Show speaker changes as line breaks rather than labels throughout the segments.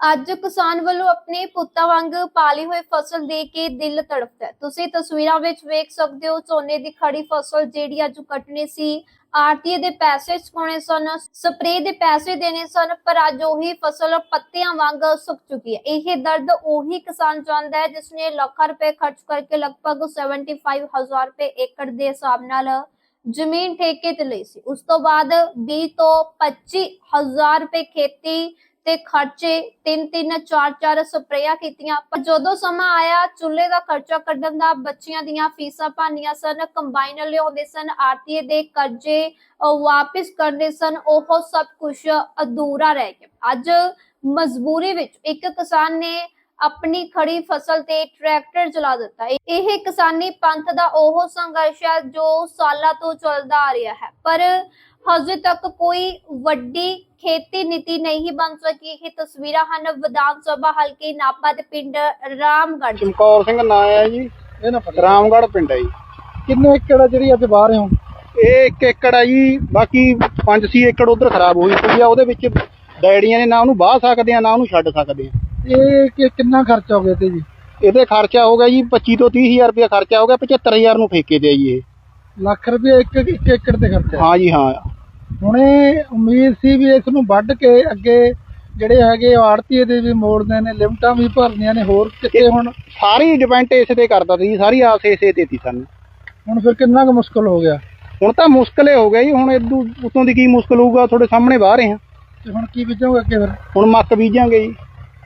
ਅੱਜ ਕਿਸਾਨ ਵੱਲੋਂ ਆਪਣੇ ਪੁੱਤਾਂ ਵਾਂਗ ਪਾਲੀ ਹੋਈ ਫਸਲ ਦੇਖ ਕੇ ਦਿਲ ਤੜਫਦਾ ਹੈ। ਤੁਸੀਂ ਤਸਵੀਰਾਂ ਵਿੱਚ ਵੇਖ ਸਕਦੇ ਹੋ ਝੋਨੇ ਦੀ ਖੜੀ ਫਸਲ ਜਿਹੜੀ ਅੱਜ ਕੱਟਣੀ ਸੀ। ਆੜਤੀਏ ਦੇ ਪੈਸੇ ਚੁਕਾਉਣੇ ਸਨ, ਸਪਰੇ ਦੇ ਪੈਸੇ ਦੇਣੇ ਸਨ, ਪਰ ਅੱਜ ਉਹੀ ਫਸਲ ਪੱਤਿਆਂ ਵਾਂਗ ਸੁੱਕ ਚੁੱਕੀ ਹੈ। ਇਹ ਦਰਦ ਉਹੀ ਕਿਸਾਨ ਜਾਣਦਾ ਹੈ ਜਿਸਨੇ ਲੱਖਾਂ ਰੁਪਏ ਖਰਚ ਕਰਕੇ ਲਗਭਗ 75,000 ਰੁਪਏ ਏਕੜ ਦੇ ਹਿਸਾਬ ਨਾਲ ਜ਼ਮੀਨ ਠੇਕੇ ਤੇ ਲਈ ਸੀ। ਉਸ ਤੋਂ ਬਾਅਦ 20 ਤੋਂ 25,000 ਰੁਪਏ ਖੇਤੀ ਤੇ ਖਰਚੇ 3-3 4-4 ਸਪਰੇਆਂ ਕੀਤੀਆਂ, ਪਰ ਜਦੋਂ ਸਮਾਂ ਆਇਆ ਚੁੱਲ੍ਹੇ ਦਾ ਖਰਚਾ ਕੱਢਣ ਦਾ, ਬੱਚਿਆਂ ਦੀਆਂ ਫੀਸਾਂ ਭਰਨੀਆਂ ਸਨ, ਕੰਬਾਈਨ ਲਿਆਉਂਦੇ ਸਨ, ਆੜਤੀਏ ਦੇ ਕਰਜ਼ੇ ਵਾਪਿਸ ਕਰਦੇ ਸਨ, ਉਹ ਸਭ ਕੁਝ ਅਧੂਰਾ ਰਹਿ ਗਿਆ। ਅੱਜ ਮਜਬੂਰੀ ਵਿੱਚ ਇੱਕ ਕਿਸਾਨ ਨੇ ਆਪਣੀ ਖੜੀ ਫਸਲ ਤੇ ਟਰੈਕਟਰ ਚਲਾ ਦਿੱਤਾ। ਇਹ ਕਿਸਾਨੀ ਪੰਥ ਦਾ ਉਹ ਸੰਘਰਸ਼ ਹੈ ਜੋ ਸਾਲਾਂ ਤੋਂ ਚੱਲਦਾ ਆ ਰਿਹਾ ਹੈ, ਪਰ ਹਜੇ ਤੱਕ ਕੋਈ ਵੱਡੀ ਖੇਤੀ ਨੀਤੀ ਨਹੀਂ ਬਣ ਸਕੀ। ਇਹ ਤਸਵੀਰਾਂ ਹਨ ਵਿਧਾਨ ਸਭਾ ਹਲਕੇ ਨਾਭਾ ਦੇ ਪਿੰਡ ਰਾਮਗੜ੍ਹ।
ਚਮਕੌਰ ਸਿੰਘ ਨਾਂ ਹੈ ਜੀ, ਇਹ ਨਾ ਰਾਮਗੜ੍ਹ ਪਿੰਡ ਹੈ ਜੀ।
ਕਿੰਨੇ ਏਕੜ ਜਿਹੜੀ ਅੱਜ ਵਾਹ ਰਹੇ ਹੋ?
ਇਹ 1 ਏਕੜ ਹੈ ਜੀ, ਬਾਕੀ 5-6 ਏਕੜ ਉਧਰ ਖਰਾਬ ਹੋਈ ਪਈ ਆ। ਉਹਦੇ ਵਿੱਚ ਡੈਡੀਆਂ ਨੇ ਨਾ ਉਹਨੂੰ ਵਾਹ ਸਕਦੇ ਆ ਨਾ ਉਹਨੂੰ ਛੱਡ ਸਕਦੇ ਆ।
ਇਹ ਕਿੰਨਾ ਖਰਚਾ ਹੋ ਗਿਆ ਤੇ ਜੀ?
ਇਹਦੇ ਖਰਚਾ ਹੋ ਗਿਆ ਜੀ 25 ਤੋਂ 30,000 ਰੁਪਇਆ ਖਰਚਾ ਹੋ ਗਿਆ। 75,000 ਨੂੰ ਠੇਕੇ ਤੇ ਆ ਜੀ। ਇਹ
ਲੱਖ ਰੁਪਏ ਇੱਕ ਏਕੜ ਤੇ ਖਰਚਾ?
ਹਾਂ ਜੀ ਹਾਂ।
ਹੁਣ ਇਹ ਉਮੀਦ ਸੀ ਵੀ ਇਸ ਨੂੰ ਵੱਢ ਕੇ ਅੱਗੇ ਜਿਹੜੇ ਹੈਗੇ ਆੜਤੀਏ ਦੇ ਵੀ ਮੋੜਦੇ ਨੇ, ਲਿਮਟਾਂ ਵੀ ਭਰਨੀਆਂ ਨੇ, ਹੋਰ ਕਿਤੇ ਹੁਣ
ਸਾਰੀ ਡਿਪੈਂਡ ਇਸੇ ਤੇ ਕਰਦਾ ਸੀ, ਸਾਰੀ ਆਸ ਇਸੇ ਤੇ ਸੀ ਸਾਨੂੰ।
ਹੁਣ ਫਿਰ ਕਿੰਨਾ ਕੁ ਮੁਸ਼ਕਲ ਹੋ ਗਿਆ?
ਹੁਣ ਤਾਂ ਮੁਸ਼ਕਲ ਹੀ ਹੋ ਗਿਆ ਜੀ। ਹੁਣ ਇਦੋਂ ਉਤੋਂ ਦੀ ਕੀ ਮੁਸ਼ਕਲ ਹੋਊਗਾ, ਤੁਹਾਡੇ ਸਾਹਮਣੇ ਬਾਹਰ ਰਹੇ ਹਾਂ।
ਤੇ ਹੁਣ ਕੀ ਬੀਜੋਗੇ ਅੱਗੇ ਫਿਰ?
ਹੁਣ ਮੱਕ ਬੀਜਾਂਗੇ ਜੀ।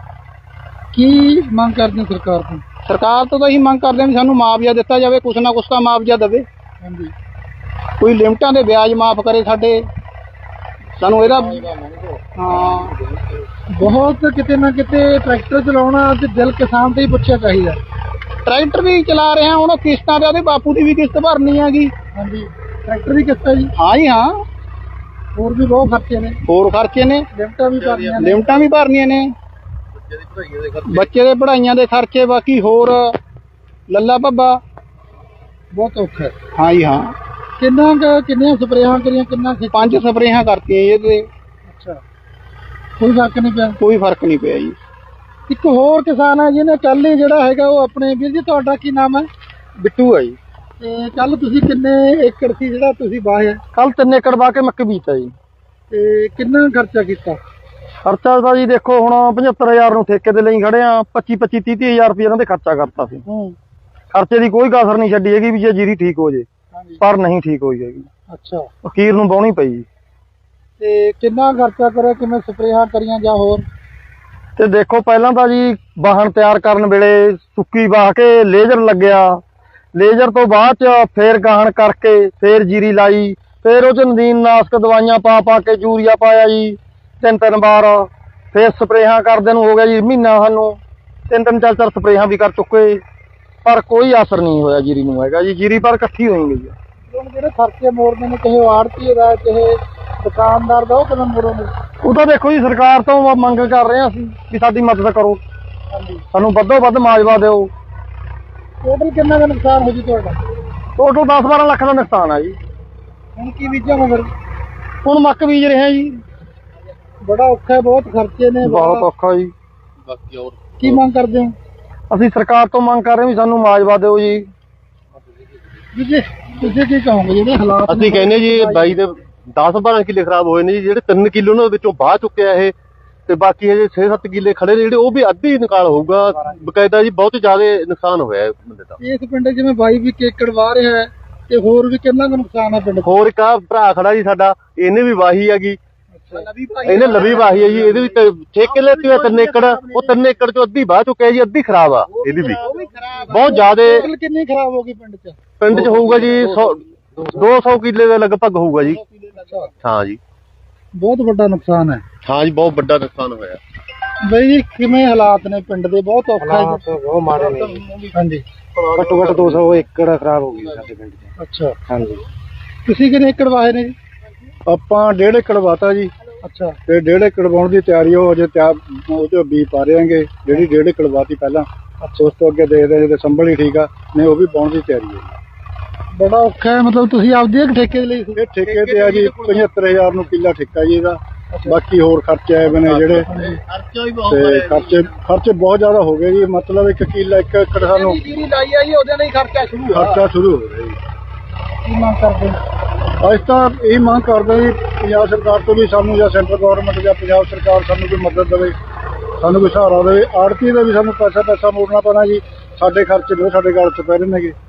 ਕੀ ਮੰਗ ਕਰਦੇ ਹੋ ਸਰਕਾਰ ਤੋਂ?
ਸਰਕਾਰ ਤੋਂ ਤਾਂ ਇਹੀ ਮੰਗ ਕਰਦੇ ਹਾਂ ਵੀ ਸਾਨੂੰ ਮੁਆਵਜ਼ਾ ਦਿੱਤਾ ਜਾਵੇ, ਕੁਛ ਨਾ ਕੁਛ ਤਾਂ ਮੁਆਵਜ਼ਾ ਦੇਵੇ।
ਹਾਂਜੀ,
ਕੋਈ ਲਿਮਟਾਂ ਦੇ ਵਿਆਜ ਮਾਫ ਕਰੇ ਸਾਡੇ, ਸਾਨੂੰ ਇਹਦਾ ਹਾਂ।
ਬਹੁਤ ਕਿਤੇ ਨਾ ਕਿਤੇ ਟਰੈਕਟਰ ਚਲਾਉਣਾ ਤੇ ਦਿਲ ਕਿਸਾਨ ਤੇ ਹੀ ਪੁੱਛਿਆ ਚਾਹੀਦਾ।
ਟਰੈਕਟਰ ਵੀ ਚਲਾ ਰਹੇ ਹਾਂ, ਹੁਣ ਕਿਸ਼ਤਾਂ ਤੇ ਉਹਦੇ ਬਾਪੂ ਦੀ ਵੀ ਕਿਸ਼ਤ ਭਰਨੀ ਹੈਗੀ।
ਹਾਂਜੀ, ਟਰੈਕਟਰ ਦੀ ਕਿਸ਼ਤ ਹੈ ਜੀ?
ਹਾਂ ਜੀ ਹਾਂ।
ਹੋਰ ਵੀ ਬਹੁਤ ਖਰਚੇ ਨੇ।
ਹੋਰ ਖਰਚੇ ਨੇ,
ਲਿਮਟਾਂ ਵੀ ਭਰਨੀਆਂ ਨੇ।
ਲਿਮਟਾਂ ਵੀ ਭਰਨੀਆਂ ਨੇ, ਬੱਚੇ ਦੇ ਪੜ੍ਹਾਈਆਂ ਦੇ ਖਰਚੇ, ਬਾਕੀ ਹੋਰ ਲੱਲਾ ਭੱਬਾ
ਬਹੁਤ ਔਖਾ ਹੈ।
ਹਾਂ ਜੀ ਹਾਂ।
ਕਿੰਨੀਆਂ ਸਪਰੇਆਂ ਕਰੀਆਂ, ਕਿੰਨਾ?
5 ਸਪਰੇਆਂ ਕਰਤੀਆਂ ਜੀ ਇਹਦੇ।
ਅੱਛਾ, ਕੋਈ ਫਰਕ ਨਹੀਂ ਪਿਆ?
ਕੋਈ ਫਰਕ ਨਹੀਂ ਪਿਆ ਜੀ।
ਇੱਕ ਹੋਰ ਕਿਸਾਨ ਹੈ ਜਿਹਨੇ ਕੱਲ ਹੀ ਜਿਹੜਾ ਹੈਗਾ ਉਹ ਆਪਣੇ ਵੀਰ ਜੀ, ਤੁਹਾਡਾ ਕੀ ਨਾਮ ਹੈ?
ਬਿੱਟੂ ਹੈ ਜੀ।
ਤੇ ਕੱਲ ਤੁਸੀਂ ਕਿੰਨੇ ਏਕੜ ਸੀ ਜਿਹੜਾ ਤੁਸੀਂ ਵਾਹਿਆ?
ਕੱਲ 3 ਏਕੜ ਵਾਹ ਕੇ ਮੱਕੀ ਬੀਜਤਾ ਜੀ।
ਤੇ ਕਿੰਨਾ ਖਰਚਾ ਕੀਤਾ?
ਖਰਚਾ ਤਾਂ ਜੀ ਦੇਖੋ ਹੁਣ 75,000 ਨੂੰ ਠੇਕੇ ਤੇ ਲਈ ਖੜੇ ਆ। 25-25 30,000 ਰੁਪਏ ਇਹਨਾਂ ਦੇ ਖਰਚਾ ਕਰਤਾ ਸੀ। ਖਰਚੇ ਦੀ ਕੋਈ ਕਸਰ ਨਹੀਂ ਛੱਡੀ ਹੈਗੀ ਵੀ ਜੇ ਜੀਰੀ ਠੀਕ ਹੋ ਜੇ, ਪਰ ਨਹੀਂ ਠੀਕ ਹੋਈ ਹੈਗੀ।
ਅੱਛਾ,
ਅਖੀਰ ਨੂੰ ਵਾਹੁਣੀ ਪਈ ਜੀ।
ਤੇ ਕਿੰਨਾ ਖਰਚਾ ਕਰਿਆ, ਕਿਵੇਂ ਸਪਰੇਹਾਂ ਕਰੀਆਂ ਜਾਂ ਹੋਰ?
ਤੇ ਦੇਖੋ ਪਹਿਲਾਂ ਤਾਂ ਜੀ ਵਾਹਣ ਤਿਆਰ ਕਰਨ ਵੇਲੇ ਸੁੱਕੀ ਵਾਹ ਕੇ ਲੇਜ਼ਰ ਲੱਗਿਆ, ਲੇਜ਼ਰ ਤੋਂ ਬਾਅਦ ਚ ਫੇਰ ਗਾਹਣ ਕਰਕੇ ਫੇਰ ਜੀਰੀ ਲਾਈ, ਫੇਰ ਉਹ ਚ ਨਦੀਨਨਾਸ਼ਕ ਦਵਾਈਆਂ ਪਾ ਕੇ ਯੂਰੀਆ ਪਾਇਆ ਜੀ 3-3 ਵਾਰ, ਫੇਰ ਸਪਰੇਹਾਂ ਕਰਦੇ ਨੂੰ ਹੋ ਗਿਆ ਜੀ ਮਹੀਨਾ। ਸਾਨੂੰ 3-3 4-4 ਸਪਰੇਹਾਂ ਵੀ ਕਰ ਚੁੱਕੇ, ਪਰ ਕੋਈ ਅਸਰ ਨਹੀਂ ਹੋਇਆ ਜੀਰੀ ਨੂੰ ਹੈਗਾ ਜੀ। ਜੀਰੀ ਪਰ ਇਕੱਠੀ ਹੋਈ ਗਈ ਹੈ।
ਹੁਣ ਜਿਹੜੇ ਖਰਚੇ ਮੋੜਦੇ ਨੇ, ਕਿਸੇ ਆੜਤੀਏ ਦਾ, ਕਿਸੇ ਦੁਕਾਨਦਾਰ ਦਾ, ਉਹ ਕਿਵੇਂ ਮੋੜੋਗੇ?
ਉਹ ਤਾਂ ਦੇਖੋ ਜੀ ਸਰਕਾਰ ਤੋਂ ਮੰਗ ਕਰ ਰਹੇ ਹਾਂ ਅਸੀਂ ਵੀ ਸਾਡੀ ਮਦਦ ਕਰੋ,
ਹਾਂਜੀ,
ਸਾਨੂੰ ਵੱਧੋ ਵੱਧ ਮੁਆਵਜ਼ਾ ਦਿਓ।
ਟੋਟਲ ਕਿੰਨਾ ਦਾ ਨੁਕਸਾਨ ਹੋ ਜੀ ਤੁਹਾਡਾ?
ਟੋਟਲ 10-12 ਲੱਖ ਦਾ ਨੁਕਸਾਨ ਆ ਜੀ।
ਹੁਣ ਕੀ ਬੀਜਾਂਗੇ ਫਿਰ?
ਹੁਣ ਮੱਕ ਬੀਜ ਰਹੇ ਹਾਂ ਜੀ।
ਬੜਾ ਔਖਾ ਹੈ, ਬਹੁਤ ਖਰਚੇ ਨੇ,
ਬਹੁਤ ਔਖਾ ਜੀ।
ਬਾਕੀ ਹੋਰ ਕੀ ਮੰਗ ਕਰਦੇ ਹੋ?
ਅਸੀਂ ਸਰਕਾਰ ਤੋਂ ਮੰਗ ਕਰ ਰਹੇ ਵੀ ਸਾਨੂੰ ਮੁਆਵਜ਼ਾ ਦਿਓ ਜੀ।
ਜੀ ਤੁਸੀਂ ਕੀ ਕਹੋਗੇ ਜਿਹੜੇ ਹਾਲਾਤ?
ਅਸੀਂ ਕਹਿੰਦੇ ਜੀ ਬਾਈ ਦੇ 10-12 ਕਿੱਲੇ ਖਰਾਬ ਹੋਏ ਨੇ ਜੀ। ਜਿਹੜੇ 3 ਕਿੱਲੇ ਉਹਨਾਂ ਵਿੱਚੋਂ ਬਾਹ ਚੁੱਕਿਆ ਇਹ, ਤੇ ਬਾਕੀ ਹਜੇ 6-7 ਕਿੱਲੇ ਖੜੇ ਨੇ ਜਿਹੜੇ, ਉਹ ਵੀ ਅੱਧੀ ਨਿਕਾਲ ਹੋਊਗਾ ਬਕਾਇਦਾ ਜੀ। ਬਹੁਤ ਜ਼ਿਆਦਾ ਨੁਕਸਾਨ ਹੋਇਆ ਬੰਦੇ ਦਾ।
ਇਸ ਪਿੰਡ ਜਿਵੇਂ 22 ਏਕੜ ਵਾਹ ਰਿਹਾ ਹੈ, ਤੇ ਹੋਰ ਵੀ ਕਿੰਨਾ ਕੁ ਨੁਕਸਾਨ ਹੈ ਪਿੰਡ?
ਹੋਰ ਇੱਕ ਆ ਭਰਾ ਖੜਾ ਜੀ ਸਾਡਾ, ਇਹਨੇ ਵੀ ਵਾਹੀ ਹੈਗੀ, ਇਹਨੇ ਲਵੀ ਵਾਹੀ ਹੈ ਜੀ। ਇਹਦੇ ਵਿੱਚ 6 ਕਿੱਲੇ ਤੇ 3 ਏਕੜ, ਉਹ 3 ਏਕੜ ਚੋਂ ਅੱਧੀ ਬਾਹ ਚੁੱਕਿਆ ਜੀ, ਅੱਧੀ ਖਰਾਬ ਆ ਇਹਦੀ ਵੀ ਬਹੁਤ ਜ਼ਿਆਦਾ।
ਕਿੰਨੀ ਖਰਾਬ ਹੋ ਗਈ ਪਿੰਡ ਚ?
ਪਿੰਡ ਚ ਹੋਊਗਾ ਜੀ 200 ਕਿੱਲੇ ਦੇ ਲਗਭਗ ਹੋਊਗਾ ਜੀ। ਹਾਂ ਜੀ,
ਬਹੁਤ ਵੱਡਾ ਨੁਕਸਾਨ ਹੈ।
ਹਾਂ ਜੀ, ਬਹੁਤ ਵੱਡਾ ਨੁਕਸਾਨ ਹੋਇਆ।
ਬਈ ਜੀ ਕਿਵੇਂ ਹਾਲਾਤ ਨੇ ਪਿੰਡ ਦੇ? ਬਹੁਤ ਔਖਾ ਹੈ।
ਬਹੁਤ ਮਾੜੇ ਨੇ।
ਹਾਂਜੀ,
ਘੱਟੋ ਘੱਟ 200 ਏਕੜ ਖਰਾਬ ਹੋ ਗਈ ਸਾਡੇ ਪਿੰਡ ਚ।
ਅੱਛਾ,
ਹਾਂਜੀ।
ਤੁਸੀਂ ਕਿੰਨੇ ਏਕੜ ਵਾਹੇ ਨੇ ਜੀ?
ਆਪਾਂ 1.5 ਏਕੜ ਵਾਤਾ ਜੀ।
ਅੱਛਾ,
ਤੇ 1.5 ਏਕੜ ਵਾਉਣ ਦੀ ਤਿਆਰੀ ਹੋ ਅਜੇ ਤਿਆਰ, ਉਹ ਚ ਬੀਜ ਪਾ ਰਹੇ ਆਂਗੇ। ਜਿਹੜੀ 1.5 ਏਕੜ ਵਾਤੀ ਪਹਿਲਾਂ, ਉਸ ਤੋਂ ਅੱਗੇ ਦੇਖਦੇ ਜੇ ਸੰਭਲ ਹੀ ਠੀਕ ਆ, ਨਹੀਂ ਉਹ ਵੀ ਪਾਉਣ ਦੀ ਤਿਆਰੀ ਹੈ।
ਬੜਾ ਔਖਾ ਹੈ। ਮਤਲਬ ਤੁਸੀਂ ਆਪਦੀ ਇੱਕ ਠੇਕੇ ਦੇ ਲਈ?
ਇਹ ਠੇਕੇ ਤੇ ਆ ਜੀ, 75,000 ਨੂੰ ਕਿੱਲਾ ਠੇਕਾ ਜੀ ਇਹਦਾ।
ਬਾਕੀ ਹੋਰ ਖਰਚੇ ਆਏ ਬਣੇ ਜਿਹੜੇ
ਖਰਚਾ ਵੀ ਬਹੁਤ
ਤੇ ਖਰਚੇ ਬਹੁਤ ਜ਼ਿਆਦਾ ਹੋ ਗਏ ਜੀ। ਮਤਲਬ 1 ਕਿੱਲਾ 1 ਏਕੜ ਸਾਨੂੰ
ਜੀਰੀ ਲਾਈ ਆ ਜੀ ਉਹਦੇ ਨਾਲ ਹੀ ਖਰਚਾ ਸ਼ੁਰੂ
ਖਰਚਾ ਸ਼ੁਰੂ ਹੋ ਗਿਆ ਜੀ।
ਕੀ ਮੰਗ ਕਰਦੇ
ਅਸੀਂ ਤਾਂ ਇਹ ਮੰਗ ਕਰਦੇ ਜੀ ਪੰਜਾਬ ਸਰਕਾਰ ਤੋਂ ਵੀ ਸਾਨੂੰ, ਜਾਂ ਸੈਂਟਰ ਗਵਰਨਮੈਂਟ ਜਾਂ ਪੰਜਾਬ ਸਰਕਾਰ ਸਾਨੂੰ ਕੋਈ ਮਦਦ ਦੇਵੇ, ਸਾਨੂੰ ਕੋਈ ਸਹਾਰਾ ਦੇਵੇ। ਆੜਤੀ ਦਾ ਵੀ ਸਾਨੂੰ ਪੈਸਾ ਮੋੜਨਾ ਪੈਣਾ ਜੀ। ਸਾਡੇ ਖਰਚੇ ਨੇ ਸਾਡੇ ਗਲ 'ਚ ਪੈ ਰਹੇ ਨੇਗੇ।